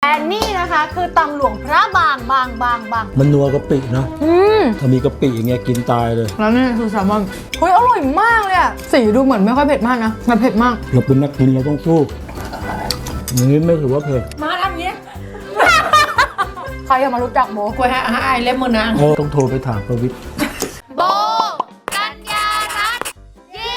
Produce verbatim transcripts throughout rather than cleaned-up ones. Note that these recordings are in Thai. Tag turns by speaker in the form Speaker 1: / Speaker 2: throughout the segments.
Speaker 1: และนี่นะคะคือตำหลวงพระบางบางบางบาง
Speaker 2: มันนัวกะปินะ
Speaker 1: อืม
Speaker 2: ถ้ามีกะปิอย่างเงี้ยกินตายเลย
Speaker 1: แล้วนี่คือแซลมอนเฮ้ยอร่อยมากเลยอะสีดูเหมือนไม่ค่อยเผ็ดมากนะแต่เผ็ดมาก
Speaker 2: เราเป็นนักกินเราต้องสู้อย่างนี้ไม่ถือว่าเผ็ด
Speaker 1: มาทำเงี้ยใครจะมารู้จักโบกล้วยให้ไอ้เล็บมือนาง
Speaker 2: ต้องโทรไปถามประวิตร
Speaker 1: โบกัญญารัตน์เย้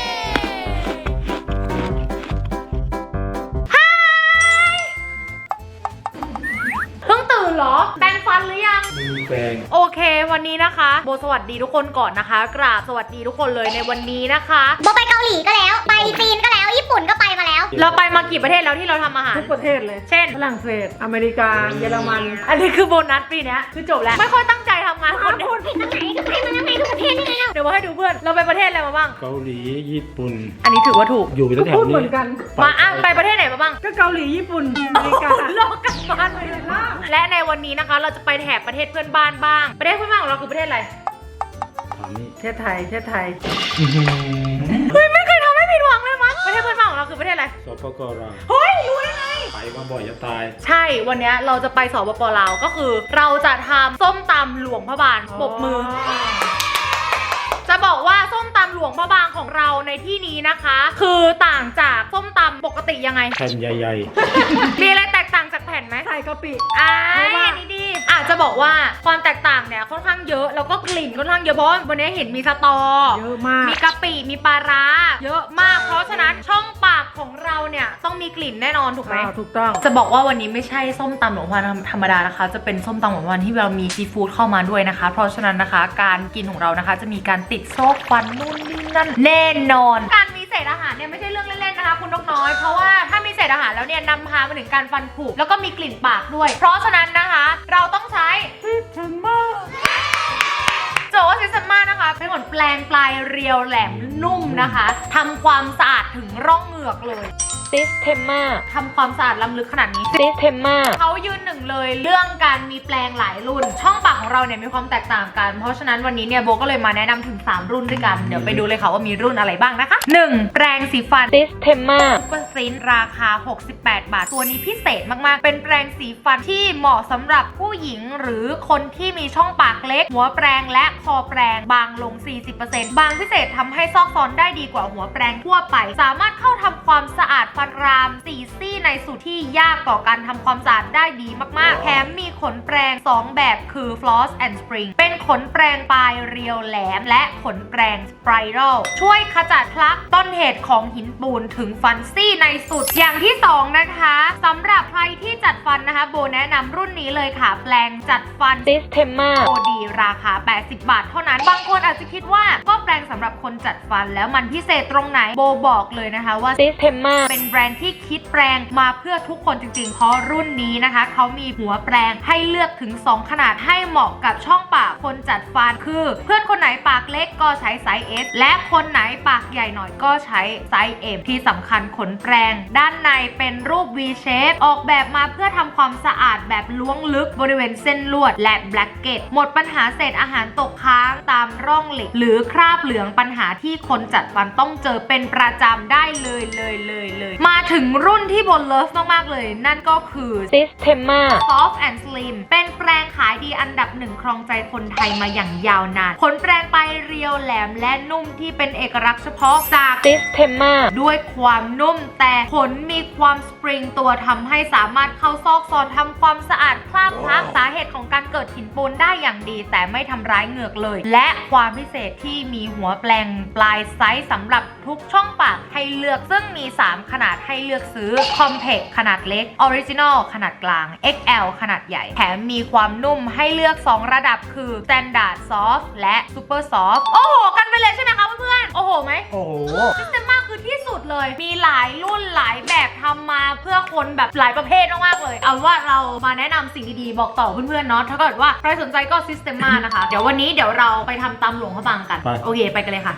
Speaker 1: เพิ่งตื่นเหรอแปรงฟันหรือยัง
Speaker 2: มีแปรง
Speaker 1: โอเควันนี้นะคะโบสวัสดีทุกคนก่อนนะคะกราบสวัสดีทุกคนเลยในวันนี้นะคะ
Speaker 3: โบไปเกาหลีก็แล้วไปจีนก็แล้วญี่ปุ่นก็ไปมาแล้ว
Speaker 1: เราไปมากี่ประเทศแล้วที่เราทำอาหาร
Speaker 4: ทุกประเทศเลย
Speaker 1: เช่น
Speaker 4: ฝรั่งเศสอเมริกาเยอรมัน
Speaker 1: อันนี้คือโบนัสปีนี้คือจบแล้วไม่ค่อยตั้งใจทำงานคนเดียว
Speaker 3: พูดผิดตรงไหนก็ไปมาแล้วไงทุกประเทศนี่ไง
Speaker 1: เดี๋ยวมาให้ดูเพื่อนเราไปประเทศอะไรมาบ้าง
Speaker 2: เกาหลีญี่ปุ่น
Speaker 1: อันนี้ถือว่าถูก
Speaker 2: อยู่แถวๆนี้
Speaker 4: เหมือนกัน
Speaker 1: มาอ่ะไปประเทศไหนมาบ้าง
Speaker 4: ก็เกาหลีญี่ปุ่นอเมริกา
Speaker 1: โลกกันบ้านเลยล่ะและในวันนี้นะคะเราจะไปแถบประเทศเพื่อนบ้านบ้างประเทศเพื่อนบ้านของเราคือประเทศอะไร
Speaker 4: ประเทศไทยประเทศไทย
Speaker 1: เฮ้ยไม่เคยทำให้ผิดหวังเลยมั้งประเทศเพื่อนบ้านของเราคือประเทศอะไร
Speaker 2: สปปลาว
Speaker 1: เฮ้ยรู้ได้ไง
Speaker 2: ไปมาบ่อยจะตาย
Speaker 1: ใช่วันนี้เราจะไปสปปลาวก็คือเราจะทำส้มตำหลวงพระบางปรบมือจะบอกว่าส้มตำหลวงพระบางของเราในที่นี้นะคะคือต่างจากส้มตำปกติยังไง
Speaker 2: แผ่นใหญ่
Speaker 1: ๆมีอะไรแตกต่างจากแผ่นไหม
Speaker 4: ใส่กะปิ
Speaker 1: อ่าอันนี้ดีอาจจะบอกว่าความแตกต่างเนี่ยค่อนข้างเยอะแล้วก็กลิ่นค่อนข้างเยอะเพราะวันนี้เห็นมีสตอ
Speaker 4: เยอะมาก
Speaker 1: มีกะปิมีปลาร้าเยอะมากเพราะฉะนั้นช่องปากของเราเนี่ยต้องมีกลิ่นแน่นอนถูกไหม
Speaker 4: ถูกต้อง
Speaker 1: จะบอกว่าวันนี้ไม่ใช่ส้มตำหลวงพระบางธรรมดานะคะจะเป็นส้มตำหลวงพระบางที่เรามีซีฟู้ดเข้ามาด้วยนะคะเพราะฉะนั้นนะคะการกินของเรานะคะจะมีการติดโซ่ฟันนู่นนี่นั่นแน่นอนการมีเศษอาหารเนี่ยไม่ใช่เรื่องเล่นๆนะคะคุณนกน้อยเพราะว่าถ้ามีเศษอาหารแล้วเนี่ยนำพามาถึงการฟันผุแล้วก็มีกลิ่นปากด้วยเพราะฉะนั้นนะคะเราต้องใช้
Speaker 4: ซิสเทมมา
Speaker 1: โจว่าซิสเทมมานะคะเป็นขนแปลงปลายเรียวแหลมนุ่มนะคะทำความสะอาดถึงร่องเหงือกเลยซิสเทมมาทำความสะอาดล้ำลึกขนาดนี้ซิสเทมมาเขายืนหนึ่งเลยเรื่องการมีแปลงหลายรุ่นช่องปากของเราเนี่ยมีความแตกต่างกันเพราะฉะนั้นวันนี้เนี่ยโบก็เลยมาแนะนำถึงสามรุ่นด้วยกันเดี๋ยวไปดูเลยค่ะว่ามีรุ่นอะไรบ้างนะคะหนึ่งแปรงสีฟันซิสเทมมาซุปเปอร์ซินราคาหกสิบแปดบาทตัวนี้พิเศษมากๆเป็นแปรงสีฟันที่เหมาะสำหรับผู้หญิงหรือคนที่มีช่องปากเล็กหัวแปรงและคอแปรงบางลง สี่สิบเปอร์เซ็นต์ บางพิเศษทำให้ซอกซอนได้ดีกว่าหัวแปรงทั่วไปสามารถเข้าทำความสะอาดฟันรามสี่ซี่ในสูตรที่ยากต่อการทำความสะอาดได้ดีมากๆแถมมีขนแปรงสองแบบคือ floss and spring เป็นขนแปรงปลายเรียวแหลมและขนแปรง spiral ช่วยขจัดพลักต้นเหตุของหินปูนถึงฟันซี่ในสุดอย่างที่สองนะคะสำหรับใครที่จัดฟันนะคะโบแนะนำรุ่นนี้เลยค่ะแปรงจัดฟัน Systema โอ ดี ราคาแปดสิบบาทเท่านั้นบางคนอาจจะคิดว่าก็แปรงสำหรับคนจัดฟันแล้วมันพิเศษตรงไหนโบบอกเลยนะคะว่า Systema เป็นแบรนด์ที่คิดแปรงมาเพื่อทุกคนจริงๆเพราะรุ่นนี้นะคะเขามีหัวแปรงให้เลือกถึงสองขนาดให้เหมาะกับช่องปากคนจัดฟันคือเพื่อนคนไหนปากเล็กก็ใช้ไซส์ S และคนไหนปากใหญ่หน่อยก็ใช้ไซส์ M ที่สำคัญขนแปรงด้านในเป็นรูป V shape ออกแบบมาเพื่อทำความสะอาดแบบล้วงลึกบริเวณเส้นลวดและแบล็กเก็ตหมดปัญหาเศษอาหารตกค้างตามร่องเหล็กหรือคราบเหลืองปัญหาที่คนจัดฟันต้องเจอเป็นประจำได้เลยเลยเลยเลยมาถึงรุ่นที่บนเลิฟมากๆเลยนั่นก็คือ Systema Soft and Slim เป็นแปรงขายดีอันดับหนึ่งครองใจคนไทยมาอย่างยาวนานขนแปรงปลายเรียวแหลมและนุ่มที่เป็นเอกลักษณ์เฉพาะจาก Systema ด้วยความนุ่มแต่ขนมีความสปริงตัวทำให้สามารถเข้าซอกซอนทำความสะอาดคราบพลักสาเหตุของการเกิดหินปูนได้อย่างดีแต่ไม่ทำร้ายเหงือกเลยและความพิเศษที่มีหัวแปรงปลายไซส์สำหรับทุกช่องปากให้เลือกซึ่งมีสามขนาดให้เลือกซื้อ Compact ขนาดเล็ก Original ขนาดกลาง เอ็กซ์ แอล ขนาดใหญ่แถมมีความนุ่มให้เลือกสองระดับคือ Standard Soft และ Super Soft โอ้โหกันไปเลยใช่ไหมคะเพื่อนๆโอ้โหไหม
Speaker 2: โอ้โห
Speaker 1: Systema คือที่สุดเลยมีหลายรุ่นหลายแบบทำมาเพื่อคนแบบหลายประเภทมากๆเลยเอาว่าเรามาแนะนำสิ่งดีๆบอกต่อเพื่อนๆเนาะถ้าเกิดว่าใครสนใจก็ Systema นะคะ เดี๋ยววันนี้เดี๋ยวเราไปทำตำหลวงพระบางกันโอเคไปกันเลยค่ะ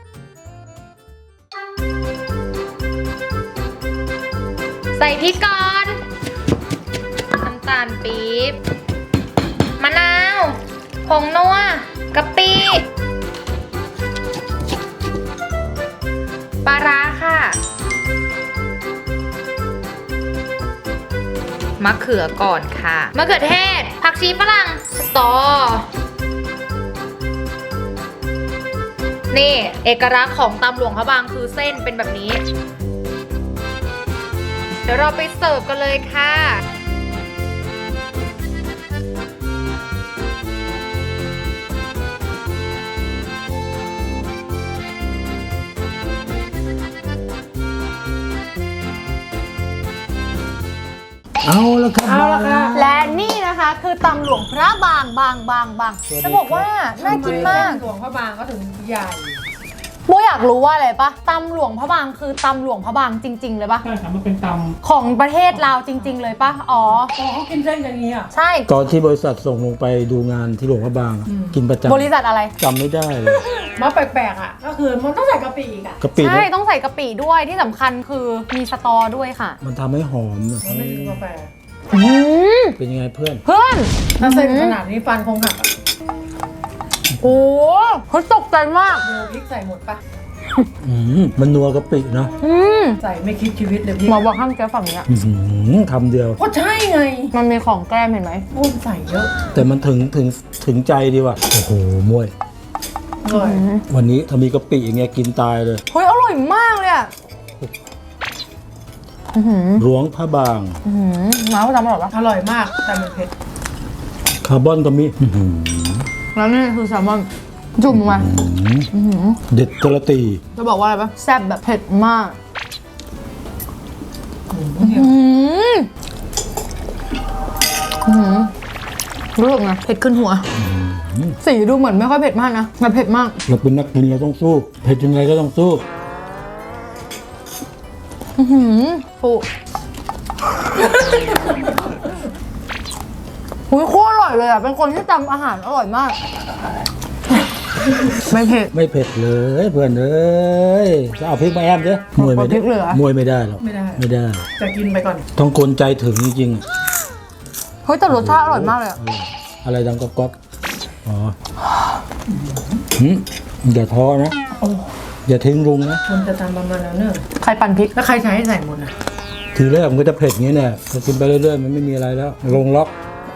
Speaker 1: ใส่พริกก่อนน้ำตาลปี๊บมะนาวผงนัวกะปิปลาร้าค่ะมะเขือก่อนค่ะมะเขือเทศผักชีฝรั่งสตอนี่เอกลักษณ์ของตำหลวงพระบางคือเส้นเป็นแบบนี้ เดี๋ยวเราไปเสิร์ฟกันเลยค่ะ
Speaker 2: เอาละครับ
Speaker 4: เอาละค่ะ
Speaker 1: และนี่นะคะคือตำหลวงพระบางบางบางบางจะบอกว่าน่ากินมาก
Speaker 4: หลวงพระบางก็ถึงใหญ่
Speaker 1: โบอยากรู้ว่าอะไรปะตำหลวงพระบางคือตำหลวงพระบางจริง ๆ เลยปะ
Speaker 2: ใช่ครับมันเป็นต
Speaker 1: ของประเทศลาวจริง ๆ เลยปะอ๋อ
Speaker 4: อ๋อเขากินเส้นอย่างนี้อ่ะ
Speaker 1: ใช่
Speaker 2: ำตอนที่บริษัทส่งลงไปดูงานที่หลวงพระบางอะ
Speaker 4: อืม
Speaker 2: กินประจำ
Speaker 1: บริษัทอะไร
Speaker 2: จำไม่ได้เลย
Speaker 4: มาแปลกๆอ่ะ ก็คือมันต้องใส่กะปิอีกอ่ะ
Speaker 2: กะปิ
Speaker 1: ใช่
Speaker 2: เนี่ย
Speaker 1: ต้องใส่กะปิด้วยที่สำคัญคือมีสตอด้วยค่ะ
Speaker 2: มันทำให้หอมอะ
Speaker 4: มันไม่มีกาแฟ
Speaker 1: อืม
Speaker 2: เป็นยังไงเพื่อน
Speaker 1: เพื่อน
Speaker 4: ถ้าเส้นขนาดนี้ฟันคงหักอะ
Speaker 1: โอ้เขาตกใจมาก
Speaker 4: โยพริกใส่หมดปะ
Speaker 2: อืมมันนัวกะปิเนาะ
Speaker 1: อืม
Speaker 4: ใส่ไม่คิดชีวิตเลยพี่
Speaker 1: หมอบอกห้ามแก้ฝั่งนี้
Speaker 2: อื้อหือคำเดียว
Speaker 4: ก็ใช่ไง
Speaker 1: มันมีของแกล้มเห็นไหม
Speaker 4: พูดใส่เยอะ
Speaker 2: แต่มันถึงถึงถึงใจดีว่ะโอ้โหมวย
Speaker 4: อร่อย
Speaker 2: วันนี้ถ้ามีกะปิอย่างเงี้ยกินตายเลย
Speaker 1: เฮ้ยอร่อยมากเลยอ่ะอือหือ
Speaker 2: หลวงพระบาง
Speaker 1: อือหือน้าเขาทำอร่อยปะ
Speaker 4: อร่อยมากแต่มันเผ็ด
Speaker 2: คาร์บอนก็มีอื้อหือ
Speaker 1: แล้วนี่คือแซลมอนจุ่มลงมาอื้อหือ
Speaker 2: เด็ดกระตี
Speaker 1: จะบอกว่าอะไรปะแซ่บแบบเผ็ดมาก
Speaker 4: อืม
Speaker 1: อืมอืมรู้สึกไงเผ็ดขึ้นหัว สีดูเหมือนไม่ค่อยเผ็ดมากนะแต่เผ็ดมาก
Speaker 2: เราเป็นนักกินเราต้องสู้เผ็ดยังไงก็ต้องสู้
Speaker 1: อือหือฟูหุยโคตรอร่อยเลยอ่ะ เป็นคนที่ทำอาหารอร่อยมาก ไม่เผ็ด
Speaker 2: ไม่เผ็ดเลยเพื่อนเอ้ยจะเอาพริกมาแอมเจ้มวยไม่
Speaker 1: เอาพริ
Speaker 2: ได้
Speaker 1: กเหลือ
Speaker 2: มวยไม่ได้หรอก
Speaker 4: ไม่ได้
Speaker 2: ไม่ได้
Speaker 4: จะกินไปก่อน
Speaker 2: ต้องคนใจถึงจริงๆอะ
Speaker 1: เฮ้ยแต่รสชาติอร่อยมากเลยอะ
Speaker 2: อะไรดังก๊อกก๊อกอ๋อหืมอย่าท้อนะ
Speaker 4: โอ้
Speaker 2: อย่าทิ้งลุงนะ
Speaker 4: คนจะทำประมาณนั้นเนอะ
Speaker 1: ใครปั่นพริก
Speaker 4: แล้วใครใช้ให้ใส่หมดอ่ะ
Speaker 2: ทีแรกมันก็จะเผ็ดอย่างนี้เนี่ยพอกินไปเรื่อยๆมันไม่มีอะไรแล้วลงล็อก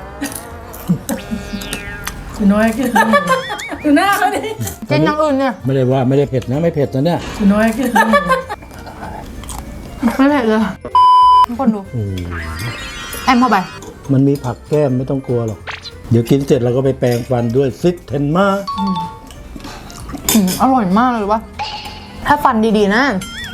Speaker 4: คือน้อยขึ้นดูหน้าเขาดิ
Speaker 1: กินอย่างอื่นเนี่ย
Speaker 2: ไม่ได้ว่าไม่ได้เผ็ดนะไม่เผ็ดนะเนี่ย
Speaker 4: คือน้อยขึ้น
Speaker 1: ไม่เผ็ดเลยทุกคนดู
Speaker 2: โอ้
Speaker 1: แอมเข้าไป
Speaker 2: มันมีผักแก้มไม่ต้องกลัวหรอกเดี๋ยวกินเสร็จเราก็ไปแปรงฟันด้วยซิกเทนมา
Speaker 1: อืมอร่อยมากเลยวะถ้าฟันดีๆนะ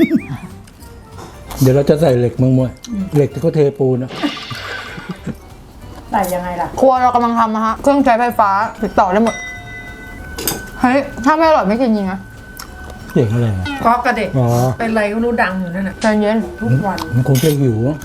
Speaker 2: เดี๋ยวเราจะใส่เหล็กมังมวยเหล็กที่เขาเทปูนนะ
Speaker 4: ใส่ยังไงล่ะ
Speaker 1: ครัวเรากำลังทำนะฮะ เครื่องใช้ไฟฟ้าติดต่อได้หมด เฮ้ย ถ้าไม่อร่อยไม่กินจริงนะ
Speaker 2: เด็กอะไรอะ
Speaker 4: ก๊อกกระเด็ก
Speaker 2: อ๋อ
Speaker 4: เป็นไรก็รู้ดังอยู่นั่นน่ะ
Speaker 1: ใจเย็น
Speaker 4: ทุกวัน
Speaker 2: มันคงจะหิวอะ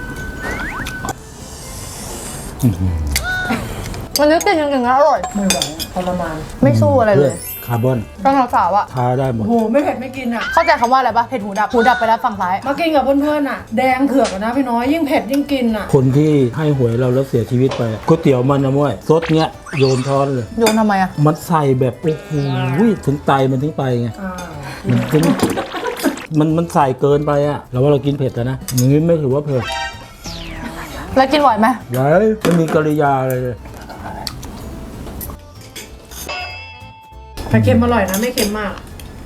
Speaker 1: วันนี้กินจริงๆนะอร่อย
Speaker 4: ไม่ไหวทรมาน
Speaker 1: ไม่สู้อะไรเลย
Speaker 2: คาร์บอน
Speaker 1: ตอนสาวๆอะ
Speaker 2: ทาได้หม
Speaker 4: โอ้
Speaker 2: ด
Speaker 4: โหไม่เผ็ดไม่กินอ่ะ
Speaker 1: เข้าใจคำว่าอะไรปะเผ็ดหูดับ หูดับไปแล้วฝั่งซ้าย
Speaker 4: มากินกับเพื่อนๆอ่ะ แดงเถือกอะนะพี่น้อยยิ่งเผ็ดยิ่งกินอ่ะ
Speaker 2: คนที่ให้หวยเราแล้วเสียชีวิตไปอะก๋วยเตี๋ยวมันนะมวยซดเงี้ยโยนช้อนเลย
Speaker 1: โยนทำไมอะ
Speaker 2: มันใส่แบบโอ้โหถึงไตมันถึงไปไง
Speaker 4: อ่า
Speaker 2: มันถึงมันมันใส่เกินไปอะเราว่าเรากินเผ็ดแล้วนะอย่างนี้ไม่ถือว่าเผ็ด
Speaker 1: แล้วกินไหวไหม
Speaker 2: ไรไม่มีกริยาอะไรเลย
Speaker 4: แต่เค็มอร่อยนะไม่เค็มมาก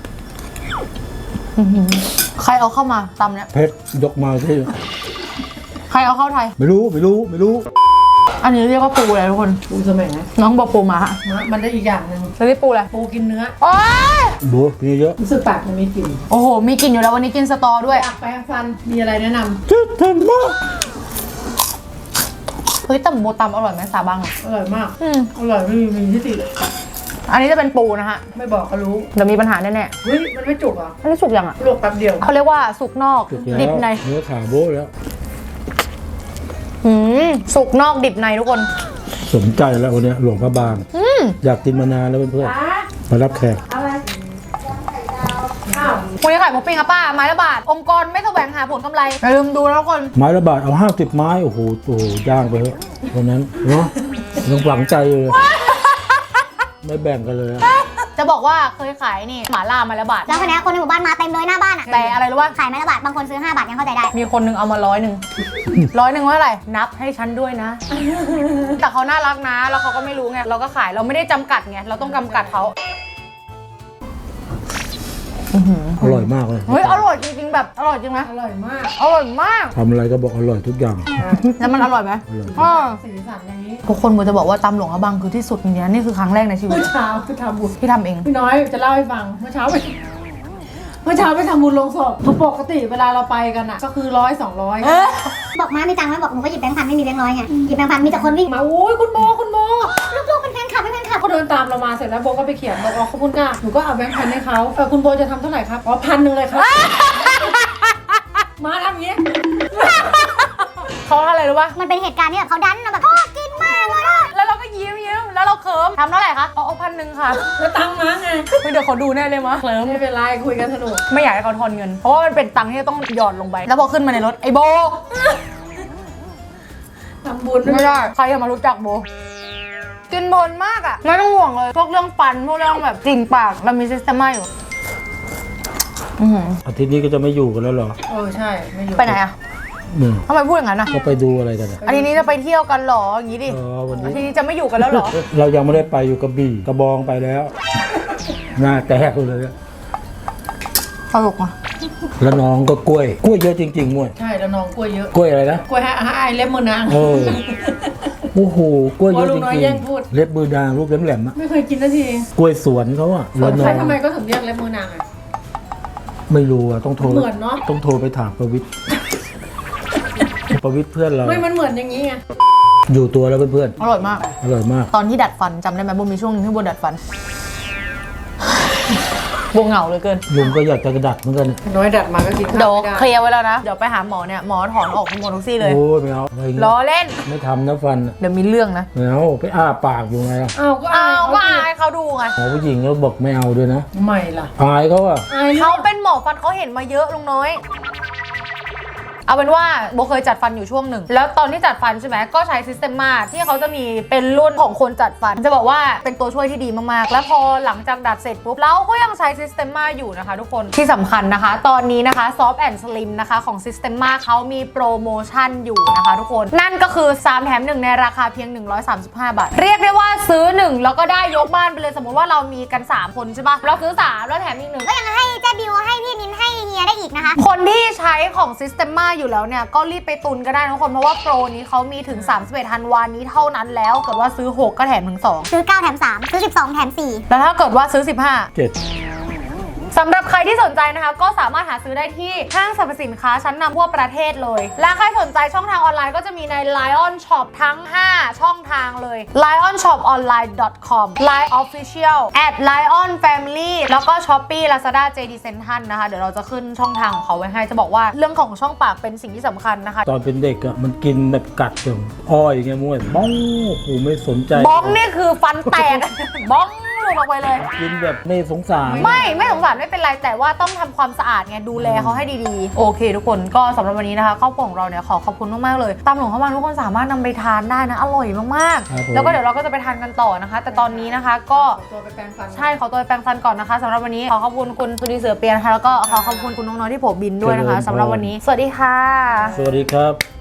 Speaker 1: อื้อหือใครเอาเข้ามาตำเนี้ย
Speaker 2: เผ็ดยกมาที่
Speaker 1: ใครเอาเข้าไทย
Speaker 2: ไม่รู้ไม่รู้ไม่รู้
Speaker 1: อันนี้เรียกว่าปูอะไรทุกคน
Speaker 4: ปูสมัยนะ
Speaker 1: น้องบอกปูมาฮะ
Speaker 4: มันได้อีกอย่างหนึ่ง
Speaker 1: แล้วนี่ปูอะไร
Speaker 4: ปูกินเนื้อ
Speaker 1: โอ๊ย
Speaker 2: ดูมีเยอะ
Speaker 4: รู้สึกปากมันมีกลิ่น
Speaker 1: โอ้โห มีกลิ่นอยู่แล้ววันนี้กินสตอด้วย
Speaker 4: อยากแปรงฟันมีอะไรแนะน
Speaker 2: ซิกเทนมา
Speaker 1: เฮ้ยแต่โบตำอร่อยไหมสาบังอะ
Speaker 4: ำอร่อยมาก
Speaker 1: อืม
Speaker 4: อร่อยไม่มีมีที่ติเลย
Speaker 1: อันนี้จะเป็นปูนะฮะ
Speaker 4: ไม่บอกก็รู้
Speaker 1: เดี๋ยวมีปัญหาแน่
Speaker 4: เฮ้ยมันไม่จุกเหรอ่ะ
Speaker 1: ๆอันนี้สุกยังอะ
Speaker 4: ลวกแป๊บเดียว
Speaker 5: เขาเรียกว่าสุกนอก
Speaker 2: สุกแล้ว
Speaker 5: ดิบใน
Speaker 2: เนื้อขาโบ๊ะแล้ว
Speaker 5: หืมสุกนอกดิบในทุกคน
Speaker 2: สนใจแล้ววันเนี้ยหลวงพระบางอยากกินมานานแล้วเพื่อนๆมารับแขก
Speaker 4: อะไรอ้าว
Speaker 5: วันนี้ขายหมูปิ้งอะป้า ไม้ละบาท องค์กรไม่แสวงหาผลกำไร อย่าลืมดูแล้วทุกคน
Speaker 2: ไม้ละบาทเอาห้าสิบไม้โอ้โหโอ้โหย่างไปเถอะวันนั้นเนาะยังหวังใจเลยไม่แบ่งกันเลยอะ
Speaker 5: จะบอกว่าเคยขายนี่หมาล่าไม้ละบาท
Speaker 3: แล้วคนนี้คนในหมู่บ้านมาเต็มเลยหน้าบ้านอ่ะ
Speaker 5: แต่อะไรรู้ป่ะ
Speaker 3: ขายไม้ละบาทบางคนซื้อห้าบาทยังเข้าใจได้
Speaker 5: มีคนนึงเอามาร้อยหนึ่ง ร้อยหนึ่งว่าอะไรนับให้ฉันด้วยนะ แต่เขาน่ารักนะ แล้วเขาก็ไม่รู้ไงเราก็ขายเราไม่ได้จำกัดไงเราต้องจำกัดเขา
Speaker 2: อร่อยมากเลย
Speaker 5: เฮ้ยอร่อยจริงๆแบบอร่อยจริงนะ
Speaker 4: อร่อยมาก
Speaker 5: อร่อยมาก
Speaker 2: ทำอะไรก็บอกอร่อยทุกอย่าง
Speaker 5: แล้วมันอร่อยไหม
Speaker 2: อร่อย
Speaker 5: อ่า
Speaker 4: สีสันอย่างนี้
Speaker 5: ทุกคนโบจะบอกว่าตำหลวงอะบังคือที่สุดจริงๆนะนี่คือครั้งแรกในชีวิ
Speaker 4: เมื่
Speaker 5: ต
Speaker 4: อเช้าไปทำบุญ
Speaker 5: ที่ทำเอง
Speaker 4: พี่น้อยจะเล่าให้ฟังเมื่อเช้าไปเมื่อเช้าไปทำบุญลงศพคือปกติเวลาเราไปกันอ่ะก็คือร้อยสองร้อย
Speaker 3: บอกมามีตังค์ไหมบอกหนูก็หยิบแบงค์พันไม่มีแบงค์ร้อยไงหยิบแบงค์พันมีแต่คนวิ่ง
Speaker 4: มาโอ้ยคุณโมคุณโม
Speaker 3: ลูกๆเป็นแฟนคลับเป็นแฟนคลับ
Speaker 4: เขาเดินตามเรามาเสร็จแล้วโบก็ไปเขียนบอกอ๋อขอบคุณค่ะหนูก็เอาแบงค์พันให้เขาเออคุณโบจะทำเท่าไหร่ครับอ๋อพันหนึ่งเลยครับ มาทำอย่างนี้
Speaker 5: เขาอะไรรู้ป่ะ
Speaker 3: มันเป็นเหตุการณ์ที่แบบเขาดันแบบชอบกินมากเลยอะ
Speaker 5: แล้วเราก็ยิ้มยิ้มแล้วเราเคิมทำเท่าไหร่คะเอาเอาพันหนึ่งค่ะ
Speaker 4: แล้วตังค์มาไง
Speaker 5: เฮ้ยเดี๋ยวเขาดูแน่เลยมะเคลิม
Speaker 4: ไม่เป็นไรคุยกันสนุก
Speaker 5: ไม่อยากให้เขาทอนเงิน เพราะว่ามันเป็นตังค์ที่ต้องหยอดลงไป แล้วพอขึ้นมาในรถไอ้โบ
Speaker 4: ทำบุญ
Speaker 5: ไม่ได้ ใครจะมารู้จักโบ กินบนมากอ่ะ ไม่ต้องห่วงเลย พวกเรื่องฟัน พวกเรื่องแบบกลิ่นปาก เรามีซิสเต็มมาอยู่ อื้อหือ
Speaker 2: อาทิตย์นี้ก็จะไม่อยู่กันแล้วเหรอ
Speaker 4: เออใช่ไม่อยู่
Speaker 5: ไปไหนอ่ะ
Speaker 2: เนี่ย
Speaker 5: ทำไมพูดอย่างนั้นอ่ะ
Speaker 2: ก็ไปดูอะไรกันอะ
Speaker 5: อาทิตย์นี้จะไปเที่ยวกันเหรอ อย่างนี้ดิ
Speaker 2: อ๋อวัน
Speaker 5: อา
Speaker 2: นี้
Speaker 5: ทิตย์นี้จะไม่อยู่กันแล้วเหรอ
Speaker 2: เรายังไม่ได้ไปอยู่กระบี่กระบองไปแล้ว หน้าแตกเลยอะ
Speaker 5: ตลกอ่ะ
Speaker 2: แล้วน้องก็กล้วย กล้วยเยอะจริงๆมวย
Speaker 4: ใช่แล้วน้องกล้วยเยอะ
Speaker 2: กล้วยอะไรนะ
Speaker 4: กล้วยให้ให้ไอเล็บมือนาง
Speaker 2: เออโอ้โหกล้วยเยอะ
Speaker 4: โอ้ลู
Speaker 2: จ
Speaker 4: กน้อย
Speaker 2: ริง
Speaker 4: แย่งพูด
Speaker 2: ๆเล็บมือนางรูปแหลมๆอะ
Speaker 4: ไม่เคยกินนาที
Speaker 2: กล้วยสวนเขาอะแล้วน้
Speaker 4: ใค
Speaker 2: อ
Speaker 4: รง ทำไมก็ถึงเรียกเล็บมือนางอ่ะ
Speaker 2: ไม่รู้อะต้องโทร
Speaker 4: เหมือนเนอะ
Speaker 2: ต้องโทรไปถามประวิทย์ประวิทย์เพื่อนเรา
Speaker 4: ไม่มันเหมือนอย่างนี้ไง
Speaker 2: อยู่ตัวแล้วเพื่อน
Speaker 5: อร่อยมาก
Speaker 2: ๆอร่อยมาก
Speaker 5: ตอนที่ดัดฟันจำได้ไหมโบมีช่วงหนึงที่โบดัดฟัน โบเหงาเหลยเกิน
Speaker 2: ลุงก็อยากจะกระดัดเหมือนกัน
Speaker 4: น้อยดัดมาก็กินข้าว
Speaker 5: เดี๋ยว
Speaker 4: ไม่ได้
Speaker 5: เคลียร์ไว้แล้วนะ เดี๋ยวไปหาหมอเนี่ย หมอถอนออกทั้งหมดทุกซี่เลย
Speaker 2: โอ้ยไม่เอาอะไรเงี้ย
Speaker 5: ล้อเล่น
Speaker 2: ไม่ทำนะฟันอะ
Speaker 5: เดี๋ยวมีเรื่องนะ
Speaker 2: ไม่เอาไปอ้าปากอยู่ไงล่ะ
Speaker 4: อ้าวก็อา
Speaker 5: อ้า
Speaker 4: ยว
Speaker 5: ก็อายเขาดูไง
Speaker 2: หมอผู้หญิงก็บอกไม่เอาด้วยนะ
Speaker 4: ไม่ล่ะ
Speaker 2: อายเขาอะ
Speaker 4: อาย
Speaker 5: เขาเป็นหมอฟันเขาเห็นมาเยอะลุงน้อย เอาเป็นว่าโบเคยจัดฟันอยู่ช่วงหนึ่ง แล้วตอนที่จัดฟันใช่ไหมก็ใช้ซิสเต็มมาที่เขาจะมีเป็นรุ่นของคนจัดฟัน จะบอกว่าเป็นตัวช่วยที่ดีมากๆ แล้วพอหลังจากดัดเสร็จปุ๊บเราก็ยังใช้ซิสเต็มมาอยู่นะคะทุกคนที่สำคัญนะคะ ตอนนี้นะคะ Soft and Slim นะคะของ Systema เขามีโปรโมชั่นอยู่นะคะทุกคน นั่นก็คือสามแถมหนึ่งในราคาเพียงหนึ่งร้อยสามสิบห้าบาท เรียกได้ว่าซื้อหนึ่งแล้วก็ได้ยกบ้านไปเลยสมมติว่าเรามีกันสามคนใช่ปะเราซื้อสามแล้วแถมอีกหนึ่ง
Speaker 3: ก็ยังให้เจ๊บิวให้พี่นินให้เฮียได้อีกนะคะ
Speaker 5: คนที่ใช้ของ Systema อยู่แล้วเนี่ยก็รีบไปตุนก็ได้นะทุกคนเพราะว่าโปรนี้เขามีถึงสามสิบเอ็ดธันวานี้เท่านั้นแล้วเกิดว่าซื้อหกก็แถมถึงสอง
Speaker 3: ซื้อเก้าแถมสามซื้อสิบสองแถมสี่
Speaker 5: แล้วถ้าเกิดว่าซื้อสิบห้า
Speaker 2: เจ็ด
Speaker 5: สำหรับใครที่สนใจนะคะก็สามารถหาซื้อได้ที่ห้างสรรพสินค้าชั้นนำทั่วประเทศเลย และใครสนใจช่องทางออนไลน์ก็จะมีใน Lion Shop ทั้ง ห้า ช่องทางเลย ไลออนช็อปออนไลน์ ดอท คอม ไลน์ Official แอด ไลออน แฟมิลี่ แล้วก็ Shopee Lazada เจ ดี Central นะคะเดี๋ยวเราจะขึ้นช่องทางของเขาไว้ให้จะบอกว่าเรื่องของช่องปากเป็นสิ่งที่สำคัญนะคะ
Speaker 2: ตอนเป็นเด็กอะมันกินแบบกัดอย่างอ้อยไงม้วยบ้องโอ้โหไม่สนใจ
Speaker 5: บ้องนี่คือฟันแตก บ้องหลุดออกไปเลย
Speaker 2: กินแบบไม่สงสาร
Speaker 5: ไม่ไม่สงสารไม่เป็นไรแต่ว่าต้องทำความสะอาดไงดูแลเขาให้ดีๆ โอเคทุกคนก็สำหรับวันนี้นะคะครอบครัวของเราเนี่ยขอขอบคุณมากๆเลยตามหลวงเข้ามาทุกคนสามารถนำไปทานได้นะอร่อยมาก
Speaker 2: ครับผม
Speaker 5: ๆแล้วก็เดี๋ยวเราก็จะไปทานกันต่อนะคะ แต่ตอนนี้นะคะก็
Speaker 4: ขอตัวไปแปรงฟัน
Speaker 5: ใช่ขอตัวไปแปรงฟันก่อนนะคะสำหรับวันนี้ขอขอบคุณคุณสุนีเสือเปียนะคะแล้วก็ขอขอบคุณคุณน้องๆที่โผบินด้วยนะคะสำหรับวันนี้ สวัสดีค่ะ
Speaker 2: สวัสดีครับ